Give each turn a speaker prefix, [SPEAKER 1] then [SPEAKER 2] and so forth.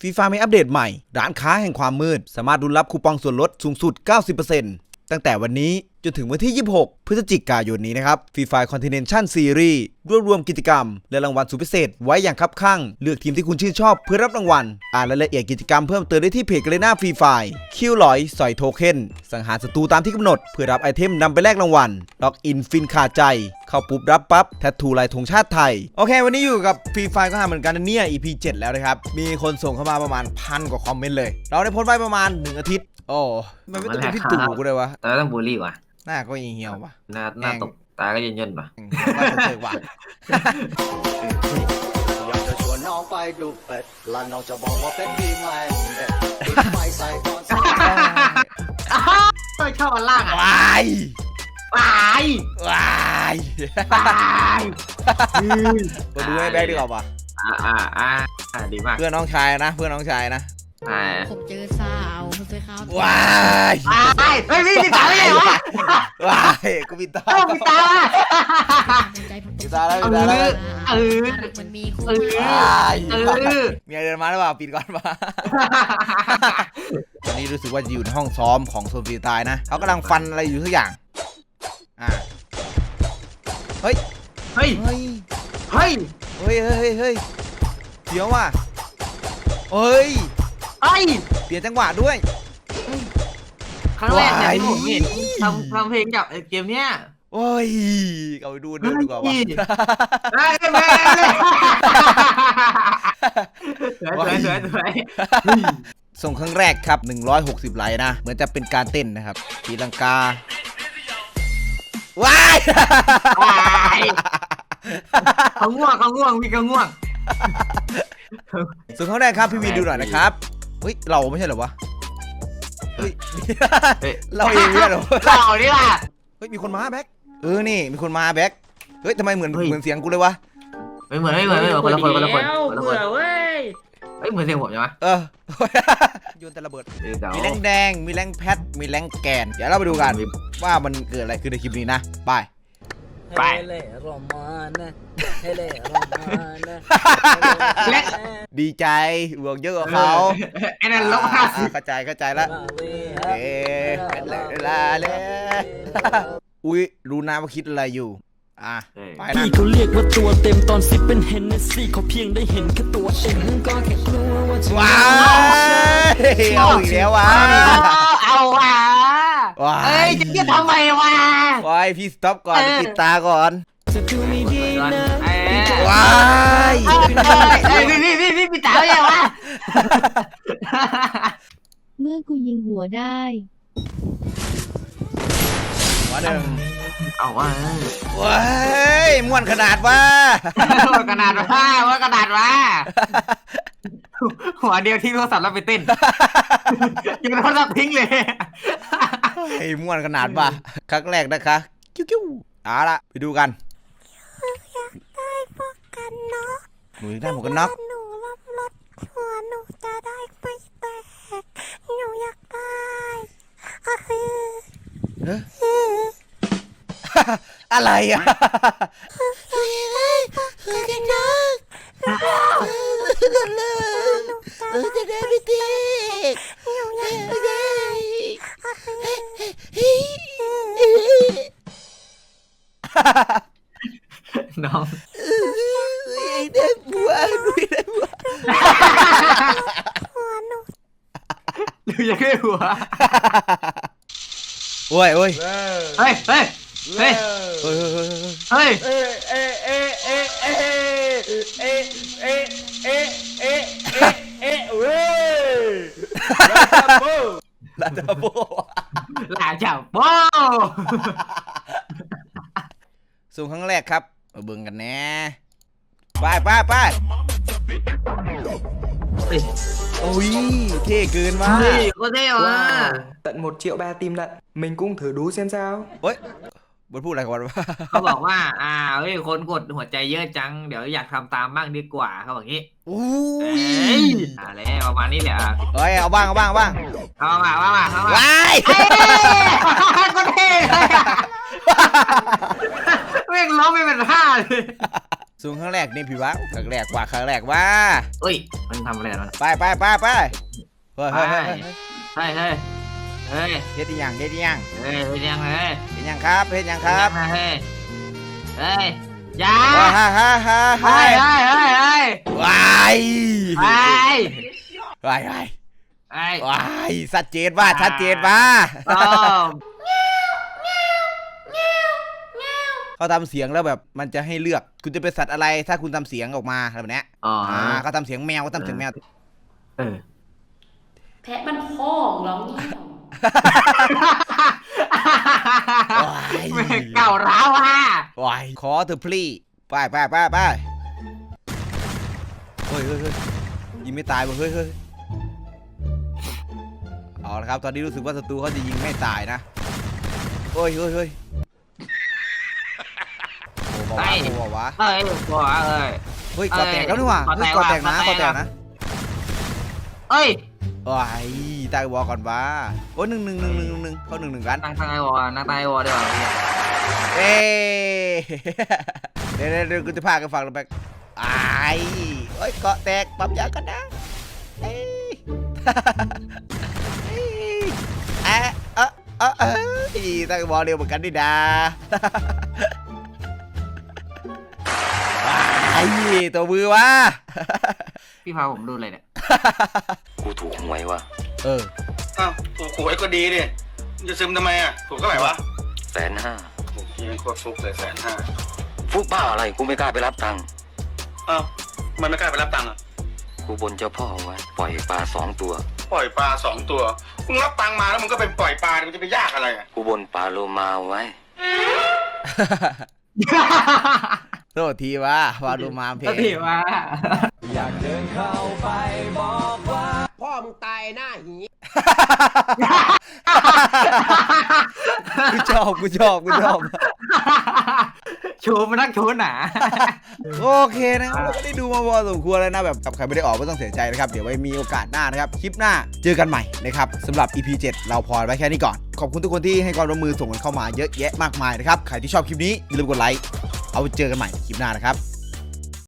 [SPEAKER 1] ฟีฟ่ามีอัปเดตใหม่ร้านค้าแห่งความมืดสามารถรุ้นรับคูปองส่วนลดสูงสุด 90% ตั้งแต่วันนี้จนถึงวันที่ 26 พฤศจิกายนนี้นะครับฟรีไฟคอนติเนนชั่นซีรีส์รวมกิจกรรมและรางวัลสุดพิเศษไว้อย่างคับคั่งเลือกทีมที่คุณชื่นชอบเพื่อรับรางวัลอ่านรายละเอียดกิจกรรมเพิ่มเติมได้ที่เพจกาเลน่าฟรีไฟคิวลอยสอยโทเค็นสังหารศัตรูตามที่กำหนดเพื่อรับไอเทมนำไปแลกรางวัลล็อกอินฟินขาดใจเข้าปุ๊บรับปั๊บแทททูลายธงชาติไทยโอเควันนี้อยู่กับฟรีไฟก็หาเหมือนกันนะเนี่ย EP 7 แล้วนะครับมีคนส่งเข้ามาประมาณ1,000 กว่าคอมเมนต์เลยเราได้โพสต์ไว้ประมาณ1 อาทิตย์โอ้มันไม่ต้องเป็นพี่ตู่กูเลยวะ
[SPEAKER 2] แต่ต้องบูลลี่ว่ะ
[SPEAKER 1] หน้าก็เหี่ยวว่ะ
[SPEAKER 2] หน้าตกตาก็เย็นๆว่ะ
[SPEAKER 1] ว่าเฉยๆว่ะ
[SPEAKER 3] อยากจะชวนน้องไปดูเป็ดและน้องจะบอกว่าเป็ดดีไหมเด็ดปิดไฟใส่ก่อน
[SPEAKER 2] ไม่ชอบอันล่างอ่ะ
[SPEAKER 1] วายว
[SPEAKER 2] าย
[SPEAKER 1] วาย มาดูให้แบกดีกว่าป่ะ
[SPEAKER 2] ดีมาก
[SPEAKER 1] เพื่อนน้องชายนะเพื่อนน้องชายนะ
[SPEAKER 4] ผมเจอสาวสวยครับ
[SPEAKER 1] วาย
[SPEAKER 2] เฮ้ยพี่ตาไม่ใช่วะ
[SPEAKER 1] วายกูปิดตา
[SPEAKER 2] พี่ตา
[SPEAKER 1] ปิดตาแล้วปิดตาแล้ว
[SPEAKER 4] มันมีคู่
[SPEAKER 1] มีอะไรเดินมาหรือเปล่าปิดก่อนป่ะตอนนี้รู้สึกว่าจะอยู่ในห้องซ้อมของโซนฟรีตายนะเขากำลังฟันอะไรอยู่ทุกอย่างเฮ้ย
[SPEAKER 2] เฮ้ย
[SPEAKER 1] เฮ้ย
[SPEAKER 2] เฮ้ย
[SPEAKER 1] เฮ้ยเฮ้ยเฮ้ยเดี๋ยวว่ะเฮ้ยเปลี่ยนจังหวะด้วย
[SPEAKER 2] ครั้งแรกเนี่ยที่ผมเห็นทำเพลงกับเกมเนี้ย
[SPEAKER 1] โอ้ยเอาไปดูเดินดีกว่าวะ
[SPEAKER 2] สวย
[SPEAKER 1] ส่งครั้งแรกครับ160 ไลค์นะเหมือนจะเป็นการเต้นนะครับตีลังกาว้าย
[SPEAKER 2] เขาง่วงมีเขาง่วง
[SPEAKER 1] ส่งครั้งแรกครับพี่วีดูหน่อยนะครับเฮ้ยเราไม่ใช่เหรอวะเฮ้ยเราเองเนี่ยเหรอ
[SPEAKER 2] เรานี่ล่ะ
[SPEAKER 1] เฮ้ยมีคนมาแบ็คนี่มีคนมาแบ็คเฮ้ยทำไมเหมือนเสียงกูเลยวะ
[SPEAKER 2] ไม่เหมือนคนละคนเว้ยเหมือนเสียงผมใช่ไหม
[SPEAKER 1] โยนแต่ระเบิดมีแรงแดงมีแรงแพทมีแรงแกนเดี๋ยวเราไปดูกันว่ามันเกิดอะไรขึ้นในคลิปนี้นะไปดีใจบวกเยอะกว่าเขา
[SPEAKER 2] ไอ้นั่นลบ
[SPEAKER 1] 50เข้าใจแล้วเวลาเลยอุ้ยรู้นะว่าคิดอะไรอยู่ไปนะ
[SPEAKER 5] พี่เขาเรียกว่าตัวเต็มตอนซิปเป็นเฮนเนสซี่เขาเพียงได้เห็นแค่ตัวเองก็แค่กลัวว่าจะ
[SPEAKER 1] ว้าวเอาอีกแล้ววะ
[SPEAKER 2] เอาว่ะเอ้ยจะทำไมวะ
[SPEAKER 1] ว้ายพี่สต็อปก่อนปิดตาก่อนว้าย
[SPEAKER 2] พี่ปิดตาไงวะ
[SPEAKER 4] เมื่อกูยิงหัวได้
[SPEAKER 1] หัวหนึ่ง
[SPEAKER 2] เอาว่า
[SPEAKER 1] ว้ายม่วนขนาดว่า
[SPEAKER 2] หัวเดียวทิ้งโทรศัพท์แล้วไปเต้นยังโทรศัพท์ทิ้งเลย
[SPEAKER 1] ไอ้ม่วนขนาดว่าครั้งแรกนะคะกิ้วเอาละไปดูกัน
[SPEAKER 6] อยากได้พวกกันเนาะ
[SPEAKER 1] หนูได้หมวกกันน็อก
[SPEAKER 6] หนูรับรถหัวหนูจะได้ไม่แตกหนูอยากได้
[SPEAKER 1] อะไรอ่ะจะได้ไม่ติด
[SPEAKER 2] น้อง
[SPEAKER 1] ได้บัว
[SPEAKER 6] หัวหนู
[SPEAKER 2] อยากได้หัว
[SPEAKER 1] โอ้ย
[SPEAKER 2] เฮ้ย
[SPEAKER 1] ลาจับโบส่งครั้งแรกครับมาเบิ่งกันแน่ไปโอ้ยเท่เกินว่ะ
[SPEAKER 2] ก็เท่ว่ะ
[SPEAKER 5] tận 1.3 triệu tim lận mình cũng thử đú xem sao
[SPEAKER 1] เฮ้ยบนพูดอะไรก่อนวะ
[SPEAKER 2] เขาบอกว่าเฮ้ยคนกดหัวใจเยอะจังเดี๋ยวอยากทำตามบ้างดีกว่าเขาบอกงี้อะไรประมาณนี้แหละ
[SPEAKER 1] เฮ้ยเอาบ้าง
[SPEAKER 2] เอามาว้ายก็เท่เลยแม่งร้องไม่เป็นท่าเลย
[SPEAKER 1] ส่วนครั้งแรกนี่พี่วะครั้งแรกว่า
[SPEAKER 2] เอ้ยมันทำอะไรมัน
[SPEAKER 1] ไปเฮ้ย
[SPEAKER 2] เฮ้ยเฮ้ยเฮ้ย
[SPEAKER 1] เฮ็ดอีหยัง
[SPEAKER 2] เฮ้ยเป็นยังไง
[SPEAKER 1] เฮ็ดหยังครับ
[SPEAKER 2] เฮ้ยเฮ้ยยา
[SPEAKER 1] ฮ่า
[SPEAKER 2] เฮ้ยเฮ้ยเฮ้ยเฮ้ย
[SPEAKER 1] ว้าย
[SPEAKER 2] เฮ้ย
[SPEAKER 1] ว้าย
[SPEAKER 2] เฮ้ย
[SPEAKER 1] ว้ายชัดเจนว่า
[SPEAKER 2] ต้อม
[SPEAKER 1] เขาทำเสียงแล้วแบบมันจะให้เลือกคุณจะเป็นสัตว์อะไรถ้าคุณทำเสียงออกมาแบบเนี้ย
[SPEAKER 2] อ๋อ
[SPEAKER 1] เขาทำเสียงแมว
[SPEAKER 2] เออ
[SPEAKER 7] แพะมันพ่อของร้องเงี้ยว
[SPEAKER 2] เก่าร้าวอ่ะ
[SPEAKER 1] ว้ายขอเธอพลีไปเฮ้ยยิงไม่ตายว่ะเฮ้ยเอาละครับตอนนี้รู้สึกว่าศัตรูเขาจะยิงไม่ตายนะเฮ้ยโอ้บอกว่า
[SPEAKER 2] เอ้ยบัวเอ้ย
[SPEAKER 1] เฮ้ยก่อแตกแล้วนี่หว่าเฮ้ยก่อแตกนะ
[SPEAKER 2] เอ้ย
[SPEAKER 1] ว้ายตายวอก่อนว่าโอ้1-1เขา1-1กัน
[SPEAKER 2] นั่งใต้วอเดี๋ยว
[SPEAKER 1] เอ้เดี๋ยวกูจะพากันฟังแล้วแบกไอ้ยเกาะแตกปั๊มยากันนะตั้งบอลเร็วเหมือนกันดิดาตัวมือวะ
[SPEAKER 2] พี่พาผมดูเลยเนี่ย
[SPEAKER 8] กูถูกหวยว่ะ
[SPEAKER 9] อ้าวถูกหวยก็ดีดิจะซึมทำไมอ่ะถูกเท่าไหร่วะ
[SPEAKER 8] 150,000
[SPEAKER 9] โอ้ยยังโคตรฟุกเลย150,000
[SPEAKER 8] ฟุกบ้าอะไรกูไม่กล้าไปรับตังค์
[SPEAKER 9] อ้าวมันไม่กล้าไปรับตังค์อ่ะ
[SPEAKER 8] กูบนเจ้าพ่อไว้ปล่อยปลา2 ตัว
[SPEAKER 9] ปล่อยปลา2 ตัวมึงรับตังค์มาแล้วมึงก็เป็นปล่อยปลามันจะไปยากอะไรอ่ะ
[SPEAKER 8] กูบนปลาโลมาไว้
[SPEAKER 1] โทษทีวะวาดูมาเพล
[SPEAKER 2] พี่ว่า
[SPEAKER 3] พ่อมึงตายหน้าหี
[SPEAKER 1] กูชอบ
[SPEAKER 2] ชูมันนักชูหนา
[SPEAKER 1] โอเคนะครับเราก็ได้ดูมาพอสมควรแล้วนะแบบกับใครไม่ได้ออกไม่ต้องเสียใจนะครับเดี๋ยวไว้มีโอกาสหน้านะครับคลิปหน้าเจอกันใหม่นะครับสำหรับ EP 7 เราพอไว้แค่นี้ก่อนขอบคุณทุกคนที่ให้ความร่วมมือส่งกันเข้ามาเยอะแยะมากมายนะครับใครที่ชอบคลิปนี้อย่าลืมกดไลค์เอาไว้เจอกันใหม่คลิปหน้านะครับ